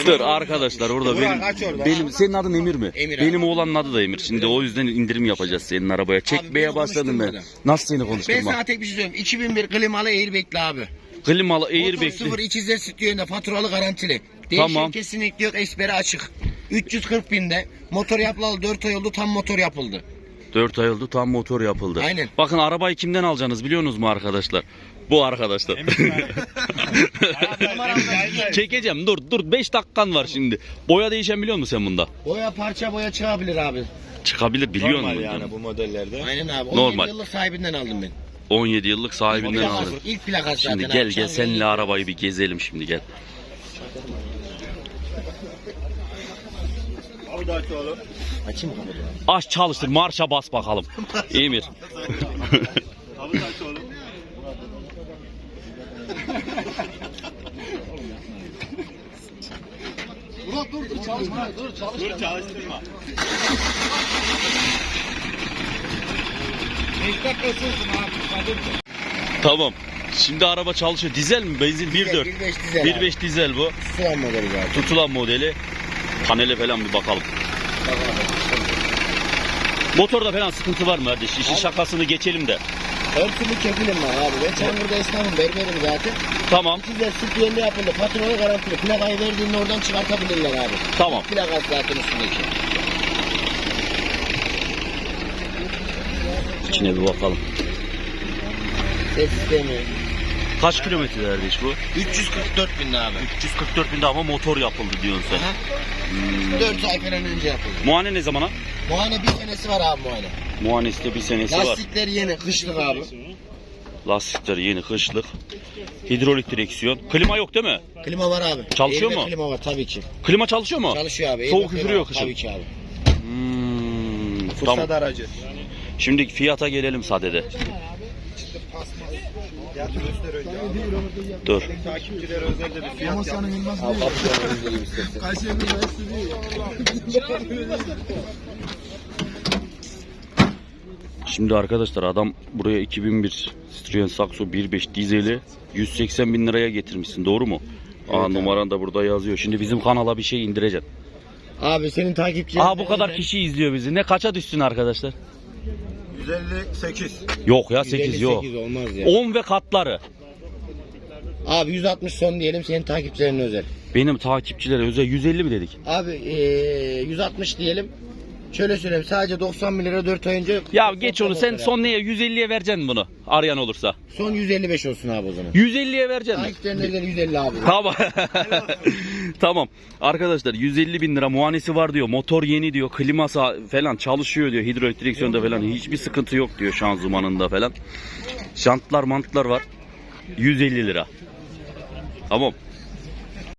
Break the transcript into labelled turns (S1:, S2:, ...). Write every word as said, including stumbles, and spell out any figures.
S1: Dur arkadaşlar orada benim
S2: orada.
S1: benim senin adın Emir mi?
S2: Emir
S1: benim
S2: abi.
S1: oğlanın adı da Emir. Şimdi o yüzden indirim yapacağız senin arabaya. Çekmeye
S2: beni
S1: başladım ben.
S2: konuşturma
S1: Nasıl seni
S2: Ben
S1: konuşturma?
S2: sana tek bir şey söyleyeyim. iki bin bir klimalı airbag'li abi.
S1: Klimalı
S2: Motor
S1: airbag'li.
S2: sıfır ikizler stüdyonda faturalı garantili. Değişen
S1: Tamam.
S2: kesinlikle yok, eksperi açık. üç yüz kırk binde motor yapılalı dört ay oldu, tam motor yapıldı.
S1: dört ay oldu tam motor yapıldı.
S2: Aynen.
S1: Bakın arabayı kimden alacaksınız biliyorsunuz mu arkadaşlar? Bu arkadaşlar. Çekeceğim dur dur beş dakikan var şimdi. Boya değişen biliyor musun sen bunda?
S2: Boya parça boya çıkabilir abi.
S1: Çıkabilir biliyor
S3: Normal
S1: musun?
S3: yani bu modellerde.
S2: Aynen abi. on
S1: Normal.
S2: yedi yıllık sahibinden aldım ben.
S1: on yedi yıllık sahibinden
S2: Plakası,
S1: aldım.
S2: İlk plakası zaten.
S1: Şimdi
S2: abi.
S1: gel gel
S2: Çam
S1: seninle
S2: rengi.
S1: arabayı bir gezelim şimdi gel.
S3: Abi da aç oğlum.
S2: Açayım mı kapıyı?
S1: Aç çalıştır marşa bas bakalım. Emir.
S3: Abi da aç oğlum.
S2: Murat dur dur çalışma dur çalışma.
S3: Dur çalıştırma.
S2: beş dakika sürsün abi.
S1: Tamam. Şimdi araba çalışıyor. Dizel mi? Benzin bir dört.
S2: bir beş dizel
S1: bir
S2: abi.
S1: beş dizel bu.
S2: Sıvan modeli zaten.
S1: Tutulan modeli. Panele falan bir bakalım. Motorda falan sıkıntı var mı kardeş? İşin şakasını geçelim de.
S2: Her türlü kefilim var abi. Ben Çangır'da esnafım, berberim zaten.
S1: Tamam.
S2: Güzel stüdyonda yapıldı. Faturalı garantili. Plakayı verdiğinde oradan çıkartabilirler abi.
S1: Tamam.
S2: Plakası zaten üstündeki.
S1: İçine bir bakalım.
S2: Ses sistemi.
S1: Kaç kilometre kardeş bu?
S2: üç yüz kırk dört bin abi.
S1: üç yüz kırk dört binde ama motor yapıldı diyorsun sen.
S2: Aha.
S1: Hmm.
S2: dört ay falan önce yapıldı.
S1: Muayene ne zamana?
S2: Muayene bir senesi var abi muayene.
S1: Muayenesi de bir senesi var.
S2: Lastikler yeni, kışlık abi.
S1: Lastikler yeni kışlık. Hidrolik direksiyon. Klima yok değil mi?
S2: Klima var abi.
S1: Çalışıyor
S2: Airbag
S1: mu?
S2: Klima var tabii ki.
S1: Klima çalışıyor mu?
S2: Çalışıyor abi.
S1: Soğuk
S2: Airbag
S1: üfürüyor
S2: var,
S1: kışın.
S2: Tabii ki abi.
S1: Hmm,
S3: Fırsat
S1: tamam.
S3: aracı.
S1: Şimdi fiyata gelelim sadede.
S3: Ya turistler önce abi.
S1: Dur.
S3: Takipçilere özel de bir fiyat yap.
S2: Abi kapıdan önce gibi istersen.
S1: Şimdi arkadaşlar adam buraya iki bin bir Citroen Saxo bir beş dizeli yüz seksen bin liraya getirmişsin doğru mu?
S2: Evet
S1: Aa
S2: abi.
S1: numaran da burada yazıyor. Şimdi bizim kanala bir şey indireceksin.
S2: Abi senin takipçilerin...
S1: Aa bu kadar kişi izliyor bizi. Ne kaça düşsün arkadaşlar?
S3: yüz elli sekiz.
S1: Yok ya sekiz yok.
S2: yüz elli sekiz olmaz ya.
S1: on ve katları.
S2: Abi yüz altmış son diyelim, senin takipçilerin özel.
S1: Benim takipçilere özel yüz elli mi dedik?
S2: Abi ee, yüz altmış diyelim. Şöyle söyleyeyim, sadece doksan bin lira dört ay önce...
S1: Ya geç onu sen
S2: motor
S1: son neye yüz elliye vereceksin bunu arayan olursa.
S2: yaptım. Son yüz elli beş olsun abi o zaman.
S1: yüz elliye vereceksin mi?
S2: Takipçilerin özel yüz elli abi.
S1: Tamam. Tamam. Arkadaşlar yüz elli bin lira muayenesi var diyor. Motor yeni diyor. Kliması falan çalışıyor diyor. Hidrolik direksiyonda falan hiçbir sıkıntı yok diyor şanzımanında falan. Jantlar mantlar var. yüz elli lira. Tamam.